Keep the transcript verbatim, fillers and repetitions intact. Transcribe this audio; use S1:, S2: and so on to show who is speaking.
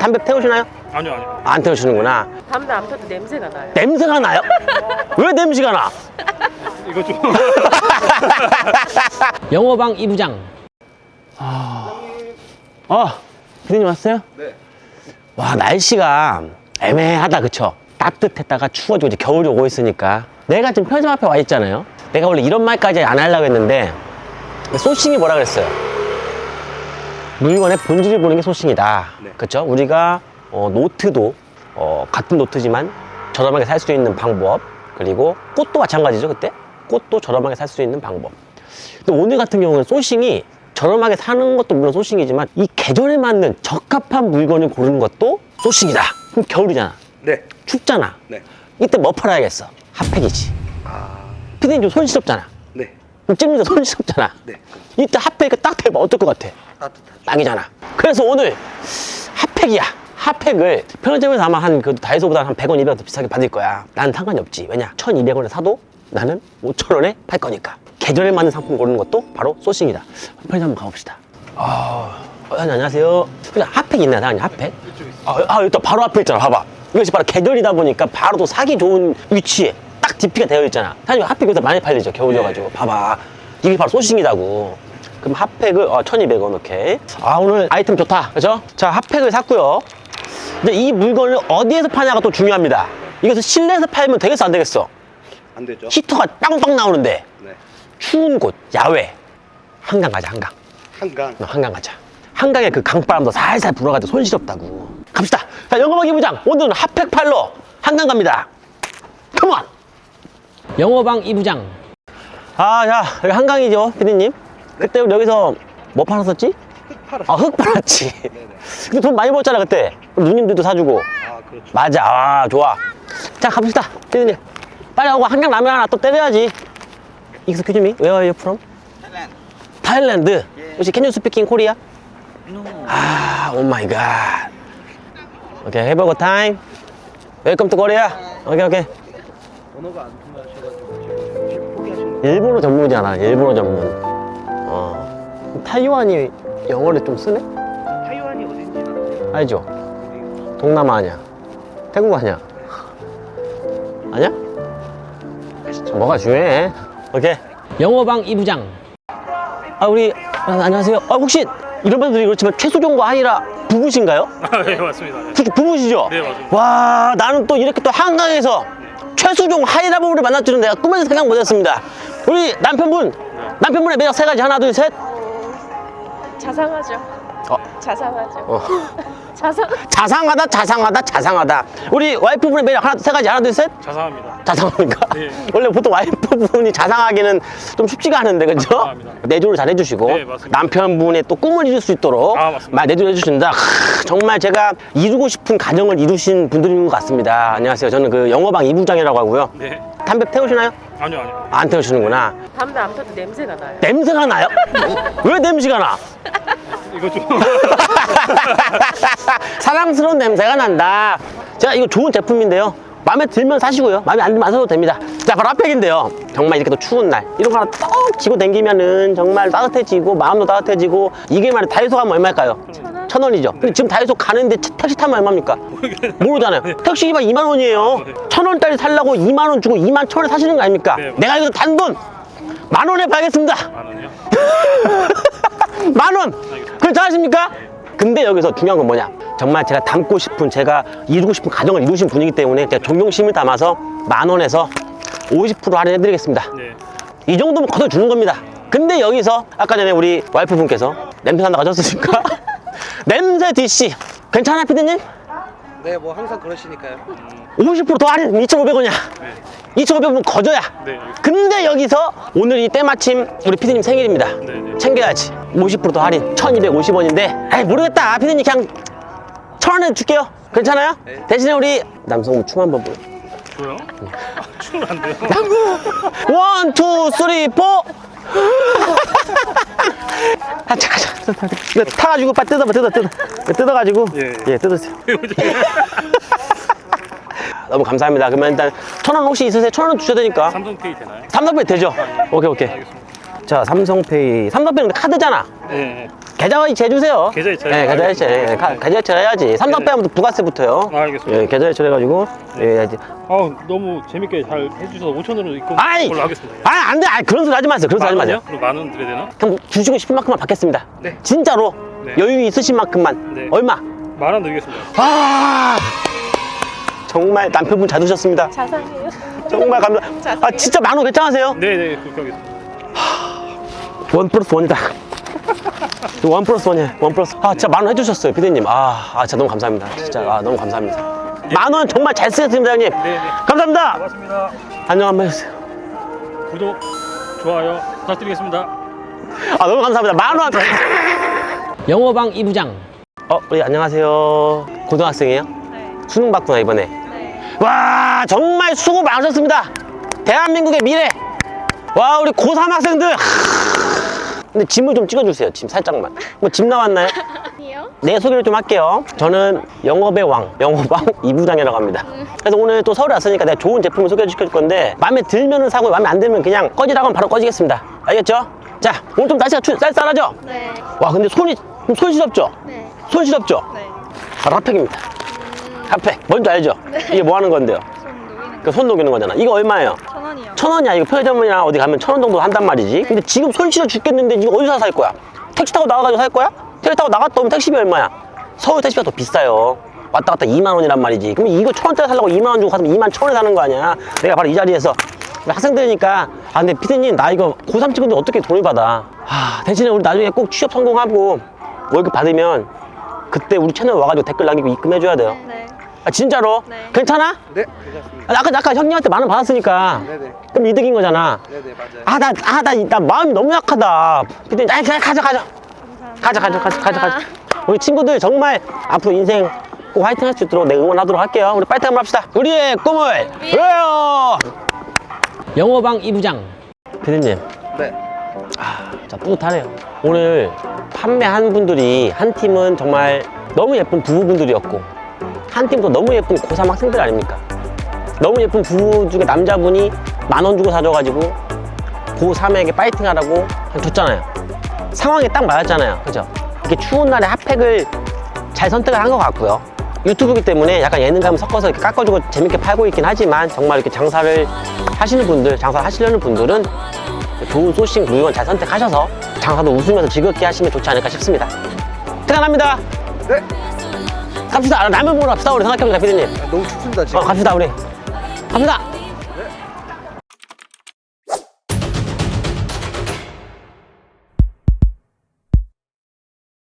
S1: 담배 태우시나요?
S2: 아니요, 아니요.
S1: 안 태우시는구나.
S3: 담배 안 펴도 냄새가 나요.
S1: 냄새가 나요? 왜 냄새가 나?
S2: 이거 좀.
S1: 영어방 이 부장. 아, 아, 피디님 왔어요?
S2: 네.
S1: 와, 날씨가 애매하다, 그쵸? 따뜻했다가 추워지고 이제 겨울이 오고 있으니까. 내가 지금 편의점 앞에 와 있잖아요. 내가 원래 이런 말까지 안 하려고 했는데 소싱이 뭐라 그랬어요? 물건의 본질을 보는 게 소싱이다.
S2: 네.
S1: 그쵸? 우리가 어, 노트도 어, 같은 노트지만 저렴하게 살 수 있는 방법, 그리고 꽃도 마찬가지죠. 그때 꽃도 저렴하게 살 수 있는 방법. 근데 오늘 같은 경우는 소싱이 저렴하게 사는 것도 물론 소싱이지만 이 계절에 맞는 적합한 물건을 고르는 것도 소싱이다. 그럼 겨울이잖아,
S2: 네.
S1: 춥잖아.
S2: 네.
S1: 이때 뭐 팔아야겠어? 핫팩이지.
S2: 아.
S1: 피디님 좀 손시럽잖아.
S2: 네.
S1: 찜리도 손시럽잖아.
S2: 네.
S1: 이때 핫팩이 딱 대봐. 어떨 것 같아?
S2: 따뜻하죠.
S1: 딱이잖아. 그래서 오늘 핫팩이야. 핫팩을 편의점에서 아마 한 그 다이소보다 한 백 원, 이백 원 더 비싸게 받을 거야. 나는 상관이 없지. 왜냐? 천이백 원에 사도 나는 오천 원에 팔 거니까. 계절에 맞는 상품 고르는 것도 바로 소싱이다. 편의점 한번 가봅시다. 아, 어, 안녕하세요. 그냥 핫팩 있나요, 사장님? 핫팩? 아, 아, 여기 또 바로 앞에 있잖아. 봐봐. 이것이 바로 계절이다 보니까 바로 또 사기 좋은 위치에 딱 디피가 되어 있잖아. 사장님 핫팩 여기서 많이 팔리죠. 겨울이어가지고. 봐봐. 이게 바로 소싱이다고. 그럼 핫팩을 어, 천이백 원. 오케이. 아, 오늘 아이템 좋다. 그죠? 자, 핫팩을 샀고요. 이제 이 물건을 어디에서 파냐가 또 중요합니다. 이것을 실내에서 팔면 되겠어, 안 되겠어?
S2: 안 되죠?
S1: 히터가 빵빵 나오는데
S2: 네.
S1: 추운 곳, 야외. 한강 가자, 한강.
S2: 한강.
S1: 어, 한강 가자. 한강에 그 강바람도 살살 불어가지고 손시렵다고. 갑시다. 자, 영어방 이 부장. 오늘은 핫팩 팔러 한강 갑니다. 컴온! 영어방 이 부장. 아, 자, 여기 한강이죠, 피디님? 그때 우리 여기서 뭐 팔았었지?
S2: 흙 팔았어.
S1: 아, 흙 팔았지.
S2: 네네.
S1: 근데 돈 많이 벌었잖아, 그때. 누님들도 사주고.
S2: 아, 그렇죠.
S1: 맞아. 아, 좋아. 자, 갑시다. 피디님. 빨리 하고 한강 라면 하나 또 때려야지. Excuse me, where are you from?
S2: Thailand.
S1: 타일랜드.
S2: 예.
S1: 혹시 can you speak in Korea?
S2: No.
S1: 아, 오 마이 갓. 오케이, have a good time. 웰컴 투 코리아. 오케이, 오케이.
S2: 언어가 안 통하셔가지고 지금 포기하신 거.
S1: 일본어 전문이잖아, 일본어 전문. 어. 타이완이 영어를 좀 쓰네?
S2: 타이완이 어딘지 아세요?
S1: 알죠? 동남아 아니야? 태국 아니야? 아니야? 뭐가 중요해? 오케이. 영어방 이 부장. 아, 우리, 아, 안녕하세요. 아, 혹시 이런 분들이 그렇지만 최수종과 하이라 부부신가요?
S2: 아, 네, 맞습니다. 네.
S1: 솔직히 부부시죠?
S2: 네, 맞습니다.
S1: 와, 나는 또 이렇게 또 한강에서 최수종 하이라 부부를 만날 줄은 내가 꿈에서 생각 못 했습니다. 우리 남편분, 남편분의 매력 세 가지. 하나, 둘, 셋.
S3: 자상하죠.
S1: 어.
S3: 자상하죠.
S1: 어.
S3: 자상.
S1: 자상하다, 자상하다, 자상하다. 우리 와이프분의 매력 하나, 세 가지. 하나, 둘, 셋.
S2: 자상합니다.
S1: 자상합니까?
S2: 네.
S1: 원래 보통 와이프분이 자상하기는 좀 쉽지가 않은데, 그죠?
S2: 감사합니다.
S1: 내조를 잘 해주시고,
S2: 네, 맞습니다.
S1: 남편분의 또 꿈을 이룰 수 있도록
S2: 아, 맞습니다.
S1: 말 내조를 해주신다. 크, 정말 제가 이루고 싶은 가정을 이루신 분들인 것 같습니다. 안녕하세요. 저는 그 영어방 이 부장이라고 하고요.
S2: 네.
S1: 담배 태우시나요?
S2: 아니요, 아니요.
S1: 안 태우시는구나.
S3: 담배 안 펴도 냄새가 나요.
S1: 냄새가 나요? 왜 냄새가 나?
S2: 이거 좀.
S1: 사랑스러운 냄새가 난다. 제가 이거 좋은 제품인데요. 마음에 들면 사시고요. 마음에 안 들면 안 사도 됩니다. 자, 바로 핫팩인데요. 정말 이렇게 또 추운 날 이런 거 하나 떡 쥐고 다니면은 정말 따뜻해지고 마음도 따뜻해지고. 이게 말이야, 다이소 가면 얼마일까요?
S3: 천 원?
S1: 천 원이죠. 근데 지금 다이소 가는데 차- 택시 타면 얼마입니까? 모르잖아요. 택시비가 이만 원이에요. 천 원짜리 살라고 이만 원 주고 이만 천 원에 사시는 거 아닙니까?
S2: 네.
S1: 내가 이거 단돈 만 원에 팔겠습니다.
S2: 만 원이요?
S1: 만 원! 괜찮으십니까? 근데 여기서 중요한 건 뭐냐? 정말 제가 닮고 싶은, 제가 이루고 싶은 가정을 이루신 분이기 때문에 제가 존경심을 담아서 만 원에서 오십 퍼센트 할인해드리겠습니다.
S2: 네.
S1: 이 정도면 걷어주는 겁니다. 근데 여기서 아까 전에 우리 와이프분께서 냄새 난다고 하셨으니까 냄새 디씨 괜찮아, 피디님?
S4: 네, 뭐 항상 그러시니까요.
S1: 오십 퍼센트 더 할인 이천오백 원이야.
S2: 네.
S1: 이천오백 원 거저야.
S2: 네, 알겠습니다.
S1: 근데 여기서 오늘이 때마침 우리 피디님 생일입니다.
S2: 네, 네.
S1: 챙겨야지. 오십 퍼센트 더 할인 천이백오십 원인데 에이, 모르겠다. 피디님 그냥 천 원에 줄게요. 괜찮아요?
S4: 네.
S1: 대신에 우리 남성분 춤 한번 보여.
S2: 저요? 아, 춤을 안 돼요.
S1: 원, 투, 쓰리, 포. 아, 잠깐, 잠깐. 이거 타가지고 빨리 뜯어봐, 뜯어, 뜯어. 이거 뜯어가지고.
S2: 예.
S1: 예, 뜯으세요. 너무 감사합니다. 그러면 일단 천 원 혹시 있으세요? 천 원 주셔야 되니까.
S2: 삼성페이 되나요?
S1: 삼성페이 되죠? 오케이, 오케이.
S2: 알겠습니다.
S1: 자, 삼성페이. 삼성페이는 근데 카드잖아.
S2: 네.
S1: 계좌 이체해주세요.
S2: 계좌 이체요?
S1: 네, 계좌 이체.
S2: 알겠습니다.
S1: 예, 가-
S2: 네.
S1: 계좌 이체 해야지. 삼성 빼면 부가세부터요.
S2: 아, 알겠습니다.
S1: 예, 계좌 이체를 해가지고. 예, 이제.
S2: 아, 너무 재밌게 잘 해주셔서 오천 원으로 입금
S1: 아이!
S2: 걸로 하겠습니다.
S1: 아, 안 돼. 아, 그런 소리 하지 마세요. 그런 소리 하지 마세요.
S2: 그럼 만 원 드려야 되나?
S1: 그럼 주시고 싶은 만큼만 받겠습니다.
S2: 네.
S1: 진짜로.
S2: 네.
S1: 여유 있으신 만큼만.
S2: 네.
S1: 얼마?
S2: 만 원 드리겠습니다.
S1: 아, 정말 남편분 잘 두셨습니다.
S3: 자상해요.
S1: 정말 감사. 아, 진짜 만 원 괜찮으세요?
S2: 네네, 그렇게 하겠습니다.
S1: 원 플러스 원이다. 원 플러스 원이에요. 원 플러스. 아, 진짜 만 원 해주셨어요, 피디님. 아, 아, 진짜 너무 감사합니다. 진짜 아, 너무 감사합니다. 만 원 정말 잘 쓰겠습니다, 형님.
S2: 네네.
S1: 감사합니다.
S2: 고맙습니다.
S1: 안녕 한번 해주세요.
S2: 구독, 좋아요 부탁드리겠습니다.
S1: 아, 너무 감사합니다. 만 원. 영어방 이 부장. 어, 우리 안녕하세요. 고등학생이에요?
S3: 네.
S1: 수능 봤구나, 이번에.
S3: 네.
S1: 와, 정말 수고 많으셨습니다. 대한민국의 미래. 와, 우리 고삼 학생들. 근데 짐을 좀 찍어주세요. 짐 살짝만. 뭐 짐 나왔나요?
S3: 아니요.
S1: 네, 소개를 좀 할게요. 저는 영업의 왕, 영업왕 이 부장이라고 합니다. 그래서 오늘 또 서울에 왔으니까 내가 좋은 제품을 소개시켜 줄 건데 마음에 들면은 사고 마음에 안 들면 그냥 꺼지라고 하면 바로 꺼지겠습니다. 알겠죠? 자, 오늘 좀 날씨가 추, 쌀쌀하죠?
S3: 네.
S1: 와, 근데 손이 좀 손시렵죠?
S3: 네.
S1: 손시렵죠?
S3: 네.
S1: 바로 핫팩입니다. 핫팩. 뭔지 알죠? 이게 뭐 하는 건데요?
S3: 손 녹이는
S1: 그 손 녹이는 거잖아. 이거 얼마예요?
S3: 천 원이요.
S1: 천 원이야. 이거 편의점이나 어디 가면 천 원 정도 한단 말이지. 근데 지금 손 시려 죽겠는데 이거 어디서 살 거야? 택시 타고 나가가지고 살 거야? 택시 타고 나갔다 오면 택시비 얼마야? 서울 택시비가 더 비싸요. 왔다 갔다 이만 원이란 말이지. 그럼 이거 천 원짜리 살려고 이만 원 주고 가면 이만 천 원에 사는 거 아니야? 내가 바로 이 자리에서 학생들이니까 아 근데 피디님 나 이거 고삼 찍은데 어떻게 돈을 받아? 아 대신에 우리 나중에 꼭 취업 성공하고 월급 받으면 그때 우리 채널 와가지고 댓글 남기고 입금해줘야 돼요.
S3: 네.
S1: 아 진짜로?
S3: 네.
S1: 괜찮아?
S4: 네, 괜찮습니다.
S1: 아, 아까 아까 형님한테 만 원 받았으니까
S4: 네네.
S1: 그럼 이득인 거잖아.
S4: 네네, 맞아요.
S1: 아, 나, 아, 나, 나 마음이 너무 약하다. 피디님, 아, 그냥 가자, 가자. 가자, 가자, 가자, 가자, 가자. 우리 친구들 정말 앞으로 인생 꼭 화이팅 할 수 있도록 내가 응원하도록 할게요. 우리 파이팅 한번 합시다. 우리의 꿈을 이루어요! 영어방 이 부장. 피디님,
S4: 네.
S1: 자, 뿌듯하네요. 오늘 판매한 분들이 한 팀은 정말 너무 예쁜 부부분들이었고, 한 팀도 너무 예쁜 고삼 학생들 아닙니까? 너무 예쁜 부부 중에 남자분이 만 원 주고 사줘가지고 고삼에게 파이팅 하라고 줬잖아요. 상황에 딱 맞았잖아요. 그죠? 이렇게 추운 날에 핫팩을 잘 선택을 한 것 같고요. 유튜브이기 때문에 약간 예능감 섞어서 이렇게 깎아주고 재밌게 팔고 있긴 하지만 정말 이렇게 장사를 하시는 분들, 장사를 하시려는 분들은 좋은 소싱 물건 잘 선택하셔서 장사도 웃으면서 즐겁게 하시면 좋지 않을까 싶습니다. 퇴근합니다.
S4: 네.
S1: 갑시다. 라면 먹으러 갑시다. 우리 생각해보자, 피디님.
S4: 아, 너무 춥습니다, 지금.
S1: 어, 갑시다, 우리. 갑시다.